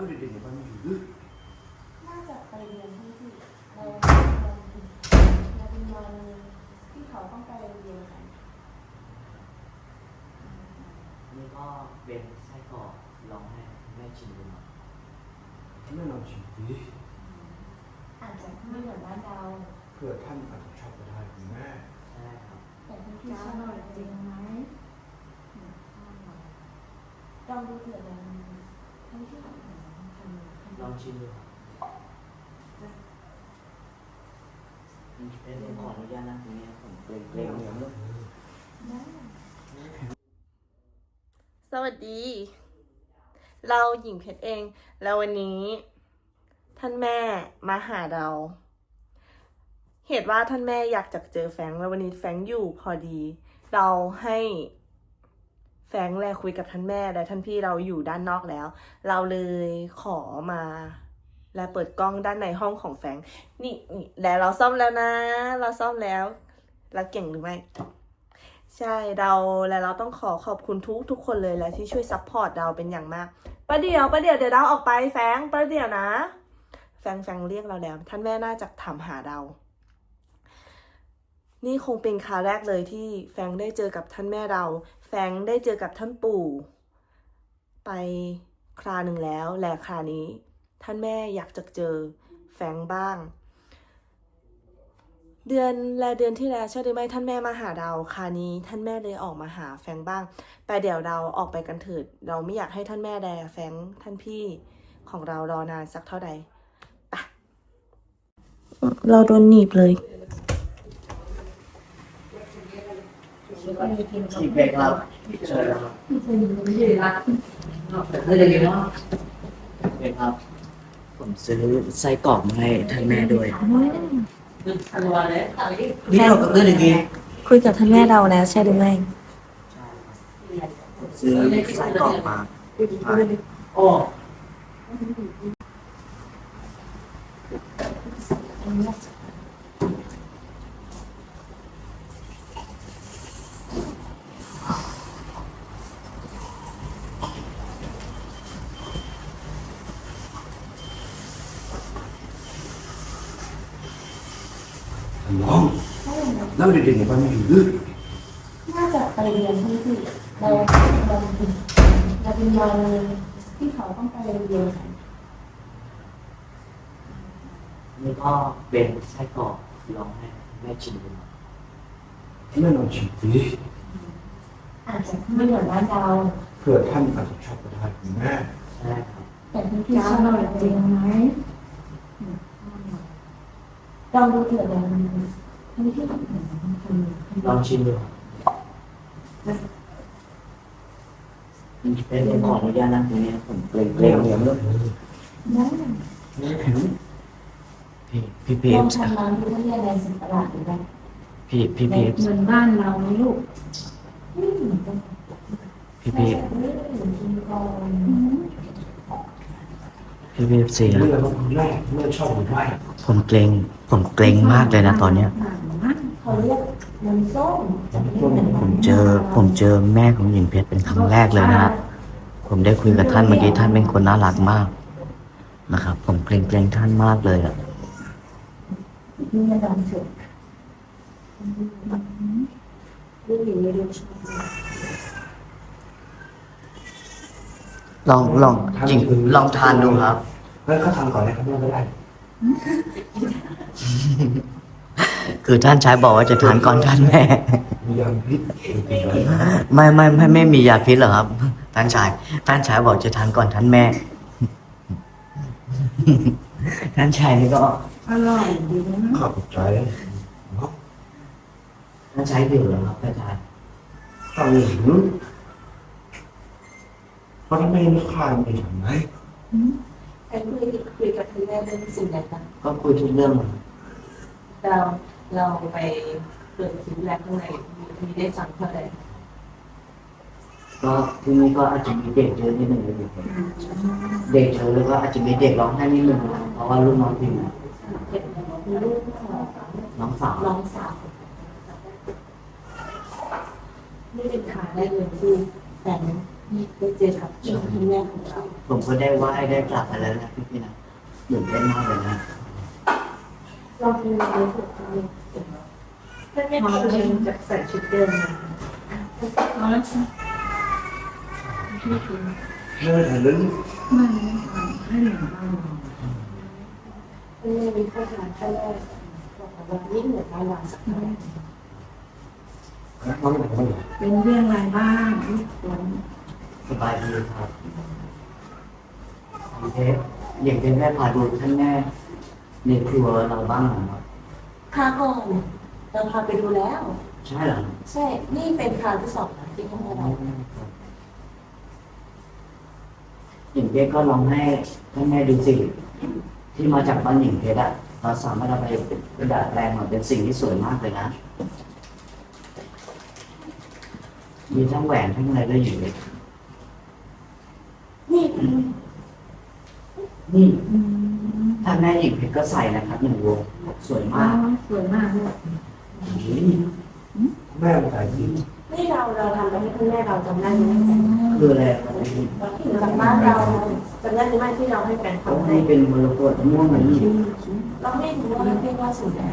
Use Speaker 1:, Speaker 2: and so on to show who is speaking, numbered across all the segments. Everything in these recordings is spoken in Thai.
Speaker 1: เด็กๆในบ้านไม่อยู่หรือ
Speaker 2: น่าจะไปเรียนที่เราเป็นวันที่เขาต้องไปเรียนกัน
Speaker 3: นี่ก็เป็นไส้กรอกลองให้แม่ชิมดูหน่อย
Speaker 1: แม่ลองชิมสิ
Speaker 2: อาจจะไม่เหมือนบ้านเรา
Speaker 1: เพื่อท่านอาจจะชอบก็ได้คุณแม่
Speaker 3: ใช่ครับ
Speaker 2: แต่ที่ชอบจริงไหมลองดูเถิดนะทั้งที่ทำ
Speaker 3: ลองชิมดูครับเป็นขออนุญาตนะตรงนี้ผมเกรงๆเนี่ย
Speaker 4: สวัสดี เราหญิงเพชรเอง แล้ววันนี้ ท่านแม่มาหาเรา เหตุว่าท่านแม่อยากจะเจอแฟรงค์แล้ววันนี้แฟรงค์อยู่พอดี เราให้แฟรงค์แลคุยกับท่านแม่และท่านพี่เราอยู่ด้านนอกแล้ว เราเลยขอมา และเปิดกล้องด้านในห้องของแฟรงค์นี่แล้วเราซ่อมแล้วนะ เราซ่อมแล้วเราเก่งหรือไม่ ใช่เราต้องขอบคุณทุกคนเลยและที่ช่วยซัพพอร์ตเราเป็นอย่างมากประเดี๋ยวเดี๋ยวเราออกไปแฟงประเดี๋ยวนะแฟงเรียกเราแล้วท่านแม่น่าจะถามหาเรานี่คงเป็นคราวแรกเลยที่แฟงได้เจอกับท่านแม่เราแฟงได้เจอกับท่านปู่ไปคราหนึ่งแล้วและครานี้ท่านแม่อยากจะเจอแฟงบ้างเดือนที่แล้วใช่หรือไม่ท่านแม่มาหาเราคราวนี้ท่านแม่เลยออกมาหาแฟงบ้างแต่เดี๋ยวเราออกไปกันเถิดเราไม่อยากให้ท่านแม่แดแฟงท่านพี่ของเรารอนานสักเท่าใดไปเราโดนหนีบเลย
Speaker 3: ชิมเบรกครับเชิญครับเป็นครับผมซื้อไส้กรอกมาให้ท่านแม่ด้วยนี่เรากับเรื่องอย่างนี้
Speaker 4: คุยกับท่านแม่เราแล้วใช่หรือไม่
Speaker 3: ซื้อไส้กรอกมาโอ้
Speaker 1: น้องแล้วเด็กๆในบ้านไม่อยู่หรือ
Speaker 2: น่าจะไปเรียนที่เราเป็นวันที่เขาต้องไปเรียนกัน
Speaker 3: นี่ก็เป็นไส้กรอกลองให้แม่ชิมดูหน่อย
Speaker 1: แม่ลองชิมสิ
Speaker 2: อาจจะไม่เหมือนบ้านเรา
Speaker 1: เพื่อท่านอาจจะชอบก็ได้คุณแม่
Speaker 3: ใช่ครับ
Speaker 2: แต่ที่ชอบจริงไหมลองดูเถิดนะทั้งที่ทำ
Speaker 3: ลองชิมดูครับเป็นขออนุญาตนะตรงนี้ผมเกรงๆเนี่ยพี่เพ
Speaker 2: ลอง
Speaker 3: ชร
Speaker 2: ทำน้ำดูว่าอะไรสิ่งประหลาดหรือเปล่า
Speaker 3: พี่เพชร
Speaker 2: เหมือนบ้านเราไหมลูกไม่เหมือนกัน
Speaker 3: พี่เพชร
Speaker 2: ไม่เหมือนกินก่อน
Speaker 3: พี่เพชรเสีย
Speaker 1: เมื่อเมื่อชอบหรือไม่
Speaker 3: ผมเกรงมากเลยนะตอนเนี้ย
Speaker 2: เขาเรียกน้ำส้มจะไม่เหมือน
Speaker 3: ผมเจอแม่ของหญิงเพชรเป็นครั้งแรกเลยนะฮะผมได้คุยกับท่านเมื่อกี้ท่านเป็นคนน่ารักมากนะครับผมเกรงท่านมากเลยอ่ะ
Speaker 2: นี่ลองเถอะลูกหญิงไม่รู้ชอบ
Speaker 3: ลองจริงลองทานดูครับ
Speaker 1: งั้นเขาทำก่อนนะครับแม่ก็ได้
Speaker 3: คือท่านชายบอกว่าจะทานก่อนท่านแม่
Speaker 1: มียางพิษเป็นไร
Speaker 3: ไม่มียาพิษหรอกครับ ท่านชายบอกจะทานก่อนท่านแม่ ท่านชายนี่ก็
Speaker 2: อร่อยดีนะ
Speaker 1: ขอบใจเนาะ
Speaker 3: ท่านชายหิวเหรอครับท่านชาย
Speaker 1: ทำอย่างนี้เพราะถ้าไม่คลายมันจะทำไง
Speaker 2: ใครคุยกับคุณแม่เรื่องสิ่งใดบ้าง
Speaker 3: ก็คุยทุกเรื่องเลย
Speaker 2: เราไปเปิดคลิปแรกข้างในมีได้ฟังเท่าไหร่
Speaker 3: ก็ที่นี่ก็อาจจะมีเด็กเยอะนิดหนึ่งเลยเด็กเยอะแล้วก็อาจจะมีเด็กร้องไห้นิดหนึ่งเพราะว่าลูกน้องพิมพ์
Speaker 2: มีลูกของ
Speaker 3: น้องสาว
Speaker 2: น้องสาวนี่เป็นขาได้เลยที่แต่ได้เจอกับคุณแม่ของเรา
Speaker 3: ผมก็ได้ไหว้ได้กลับมาแล้วนะพี่ๆนะตื่นเต้นมากเลยนะ
Speaker 2: เราเป็นในสุดท้ายถ้าไม่พอจะใส่ชุดเดิมมาเอาแล้วค่ะ
Speaker 1: nơi thằng lính
Speaker 2: ไม่มีโฆษณาแค่แรกบอกว่ายิ่งเหมือนการวางสักหน่อย
Speaker 1: nó nói là
Speaker 2: เป็นเรื่องอะไรบ้างลูกฝน
Speaker 3: สบายดีครับหญิงเพชรหญิงเพชรแม่พาดูท่านแม่ในครัวเราบ้างนะครับ
Speaker 2: คราวก่อนเราพาไปดูแล้ว
Speaker 3: ใช่เหรอ
Speaker 2: ใช่ นี่เป็นคราวที่สองนะที่ท่านเรา
Speaker 3: หญิงเพชรก็ลองให้ท่านแม่ดูสิที่มาจากบ้านหญิงเพชรอะเราสามารถเอาไปประดับแปลงมาเป็นสิ่งที่สวยมากเลยนะมีทั้งแหวนทั้งอะไรด้วยหญิงเพชร
Speaker 2: นี่
Speaker 3: นี่ท่านแม่หญิงเพชรก็ใส่นะครับหนึ่งวงสวยมาก
Speaker 2: สวยมากเลย
Speaker 1: mẹ ông phải gì
Speaker 2: นี่เราทำไปให้คุณแม่เราจำได้ไหม
Speaker 3: คืออะไรครับ
Speaker 2: จากบ้านเราจำได้ไหมที่เราให้แฟน
Speaker 3: เขา
Speaker 2: ทำ
Speaker 3: ให้
Speaker 2: ให้
Speaker 3: เป็นมรกตม่วงเหมือนนี่
Speaker 2: เราไม่รู้ว่าเรียกว่าสูตรอะไร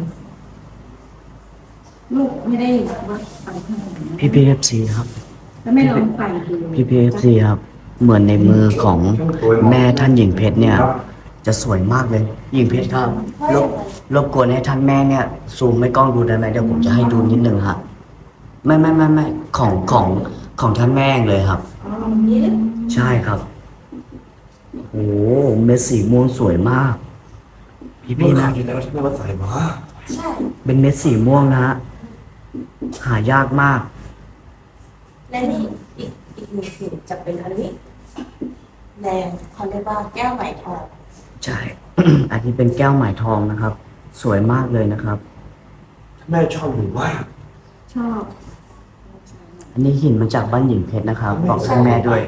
Speaker 5: ลูกไม่ได้ว่าใส่ข้างหลัง
Speaker 3: พี่พีเอฟซีครับ
Speaker 5: แล้วไม่ลองใส่ดู
Speaker 3: พี่พีเอฟซีครับ เหมือนในมือของแม่ท่านหญิงเพชรเนี่ย จะสวยมากเลย หญิงเพชรครับรบกวนให้ท่านแม่เนี่ยซูมไม่กล้องดูได้ไหมเดี๋ยวผมจะให้ดูนิดนึงครับไม่ของท่านแม่เองเลยครับ
Speaker 2: นี่เลย
Speaker 3: ใช่ครับโอ้โหเม็ดสีม่วงสวยมาก พี่
Speaker 1: nó
Speaker 3: นะ
Speaker 1: làm gì đâu nó có phải mà
Speaker 3: เป็นเม็ดสีม่วงนะฮะหายากมาก
Speaker 2: และนี่อีกหนึ่งสิ่งจะเป็นอันนี้แดงเขาเรียกว่าแก้วไหมทอง
Speaker 3: ใช่ อันนี้เป็นแก้วไหมทองนะครับ สวยมากเลยนะครับ
Speaker 1: mẹ cho mình quá
Speaker 5: ชอบ
Speaker 3: อันนี้หินมาจากบ้านหญิงเพชรนะครับ บอกให้แม่ด้วย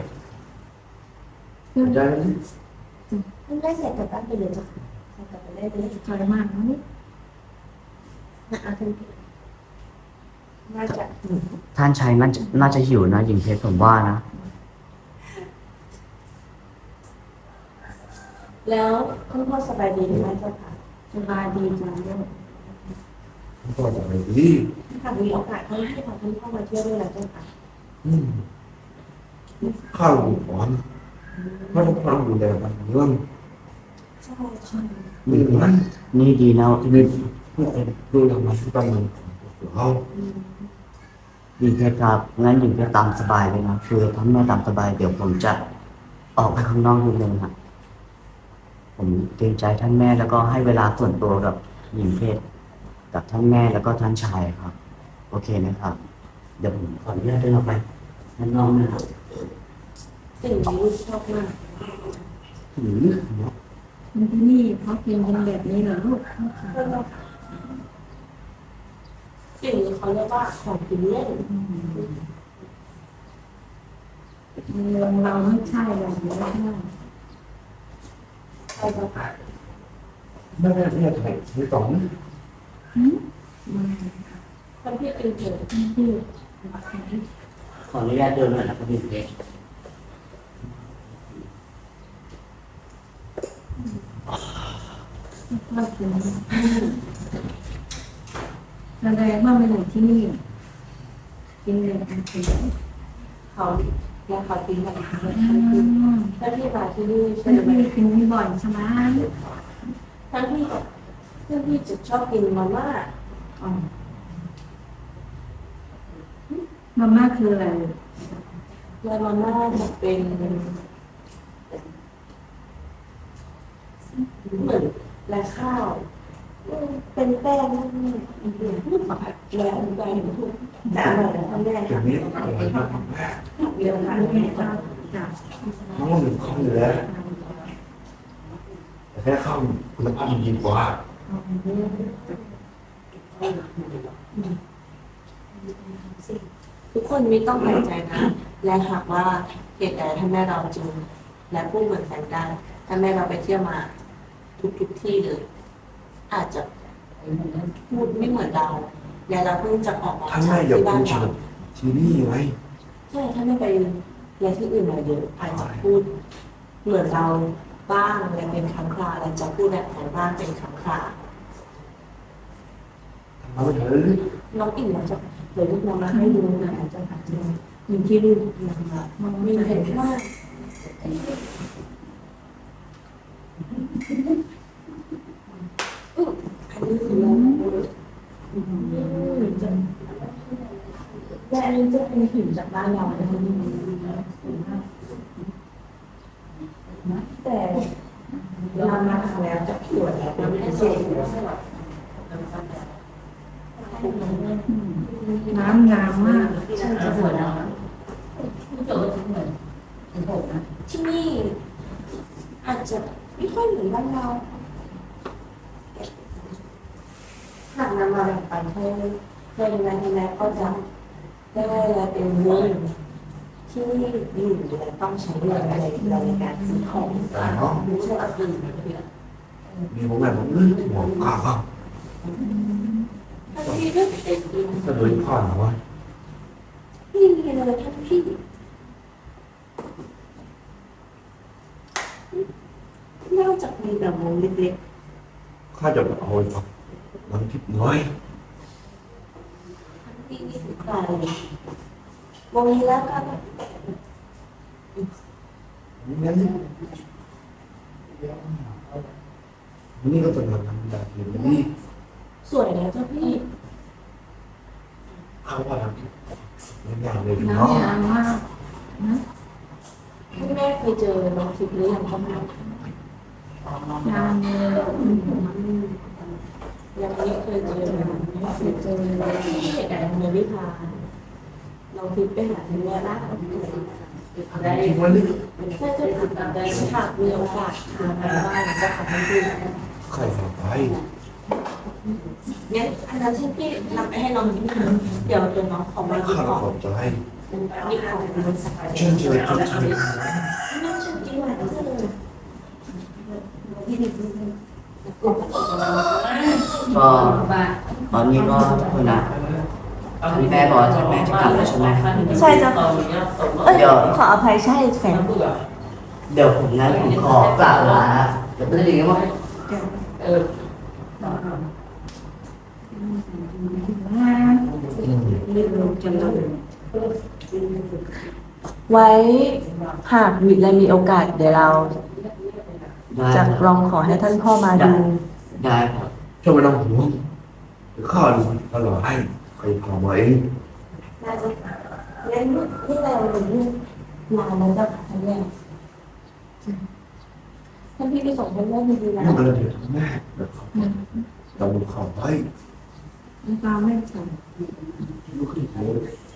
Speaker 1: đây
Speaker 2: คุณแม่ใส่กลับบ้านไปเลยจ้ะใส่กลับไปได้เลย
Speaker 5: สวยมากนะ
Speaker 2: นะเอาทันทีน่าจะ
Speaker 3: ท่านชายน่าจะหิวนะหญิงเพชรผมว่านะ
Speaker 2: แล้วคุณพ่อสบายดีไหมเจ้าค่ะ
Speaker 5: สบายดีจังลูก
Speaker 1: không có phải đi
Speaker 2: ถ้ามีโอกาสให้พาคุณพ่อมาเที่ยวด้วยนะเจ้าค่ะ
Speaker 1: không còn nó không ăn gì đều bằng lưng
Speaker 2: ใช่ใช่
Speaker 1: mình ăn
Speaker 3: นี่ดีนะ
Speaker 1: mình tôi làm mà chúng ta mình không
Speaker 3: หญิงเพชรครับ งั้นหญิงเพชรตามสบายเลยนะ คือท่านแม่ตามสบาย เดี๋ยวผมจะออกไปข้างนอกนิดนึงครับผมเกรงใจท่านแม่แล้วก็ให้เวลาส่วนตัวกับหญิงเพชรกับท่านแม่แล้วก็ท่านชายครับ โอเคนะครับ เดี๋ยวผมขออนุญาตเดินออกไปข้างนอกนะครับ
Speaker 2: สิ่งที่ลูกชอบมาก
Speaker 5: มันที่นี่เขากินกันแบบนี้เหรอลูก
Speaker 2: สิ่งนี้เขาเรียกว่าของกินเล่น
Speaker 5: เมืองเราไม่ใช่แบบนี้ใช่ไหม
Speaker 2: ใช่เจ้าค่ะ
Speaker 1: nó nghe thầy với tổng
Speaker 2: คนที่เป็นเกิด
Speaker 5: ที่
Speaker 3: ขออนุญาตเดินหน่อยนะครับหญิงเพชร
Speaker 5: ชอบกินแสดงว่ามาอยู่ที่นี่ กินเลยอันเป็น
Speaker 2: เขาและเขากินแบบนี้
Speaker 5: อืม
Speaker 2: ถ้าพี่มาที่นี่ใช่
Speaker 5: เป็น
Speaker 2: ไหม
Speaker 5: ที่กินนี่บ่อยใช่ไหม
Speaker 2: ทั้งที่เพื่อนพี่จะชอบกินมาม่า
Speaker 5: อ๋อมาม่าคืออะไร
Speaker 2: และมาม่าจะเป็นเหมือนและข้าวเป็นแป้งนั่นนี่แล้วแป้งทุกแต่อร่อยนะท่านแม่
Speaker 1: kiểu
Speaker 2: ค่ะ
Speaker 1: biết là nó
Speaker 2: เดี๋ยวค่ะแม่ค่ะ
Speaker 5: จ้ะ
Speaker 1: nó mình không được đấy thế không nó ăn gì quá
Speaker 2: ทุกคนไม่ต้องแปลกใจนะ และหากว่าเหตุใดท่านแม่เราจึงและพูดเหมือนกันได้ท่านแม่เราไปเที่ยวมาทุกที่เลย อาจจะพูดไม่เหมือนเราและเราเพิ่งจะออกมา
Speaker 1: ท่าน
Speaker 2: จา
Speaker 1: แม่
Speaker 2: ก
Speaker 1: อย่า
Speaker 2: ที่
Speaker 1: พู
Speaker 2: บ้าน
Speaker 1: ด
Speaker 2: เรา
Speaker 1: ที่นี่ไง
Speaker 2: ใช่ท่านแม่ไปและที่อื่นมาเยอะอาจจะพูดเหมือนเราบ้างและเป็นครั้งคราวและจะพูดแบบของบ้างเป็นครั้งคราว
Speaker 1: เอาเถอะ
Speaker 2: น้องอิ่มเราจะเดี๋ยวลูกน้องมาให้ดูนะอาจจะผ่านมีที่ดูนะคะมีเห็นว่าอันนี้คือและอันนี้จะเป็นหินจากบ้านเราแต่เรามาทำแล้วจะสวยแล้วมันไม่ได้สวย
Speaker 5: น้ำงามมาก
Speaker 2: ใช่จะสวยแล้วที่นี่อาจจะไม่ค่อยเหมือนบ้านเราหากนำมาแบ่งปันให้ในแรกก็จะได้และเป็นเรื่องที่อยู่และต้องใช้เงินในการซื้อของไม่ใช่เอาอื่น
Speaker 1: มีผมแบบผมเลื่อนหัวข้าว
Speaker 2: ท่านพี่ก็เป็น
Speaker 1: จะโดนพ่อหรอวะ
Speaker 2: นี่เลยท่านพี่นอกจากมีแบบวงเล็ก
Speaker 1: ข้าจะเอาไปฟังน้ำทิพย์น้อย
Speaker 2: ๆที่นี่คือใครวงนี้แล้วกัน
Speaker 1: งั้นนี่ก็เป็นงานแบบนี้
Speaker 2: สวยนะเจ้าพี่
Speaker 1: เขาว่าทำงานเลย
Speaker 5: น้ำ
Speaker 1: เนาะ
Speaker 5: งามมากนะ
Speaker 2: คุณแม่เคยเจอน้องทิพย์หรือยังครับ
Speaker 5: งามเลย
Speaker 2: ยังไม่เคยเจอไม่เคยเจอที่เหตุการณ์เมืองวิพาน้องทิพย์ไปหาคุณแม่ได้
Speaker 1: จริงมันนี่
Speaker 2: น่าจะติดตามได้หากมีโอกาสทางบ้านก็ขอบคุณ
Speaker 1: ใครมาไป
Speaker 2: งั้นอันนั้นที่พี่นำไปให้น้องทิพย์นะเดี๋ยวน้องขอมาดู
Speaker 1: ข้า
Speaker 2: ก่อน
Speaker 1: ขอบใจ
Speaker 2: มีของบริษัท
Speaker 1: เชิญเชิญเชิญเชิญ
Speaker 2: น่าจะกินหวานจังเลย
Speaker 3: ก็ตอนนี้ก็คุณนะท่านแม่บอกว่าท่านแม่จะกลับแล้วใช่ไหม
Speaker 2: ใช่จ้ะเอ้ยขออภัยใช่แฟน
Speaker 3: เดี๋ยวผมงั้นผมขอกลับลานะเดี๋ยวเป็นอย่างนี้ว่า
Speaker 2: ไว้หากมีอะไรมีโอกาสเดี๋ยวเรา
Speaker 3: ได้
Speaker 2: จะลองขอให้ท่านพ่อมาดู
Speaker 3: ได้ครับ
Speaker 1: ช่วยไม่ต้องห่วงเดี๋ยวข้าดูตลอดให้ใครพามาเอง
Speaker 2: น่าจะงั้นที่เรานานแล้วเจ้าค่ะท่านแม่ท่านพี่ไปส่งท่านแม่ดีๆนะ
Speaker 1: นั่นก็เลยเดี๋ยวแม่เราดูข่าวไว้
Speaker 5: น้ำตาไม่ใส่
Speaker 1: ลูกขึ้นหัว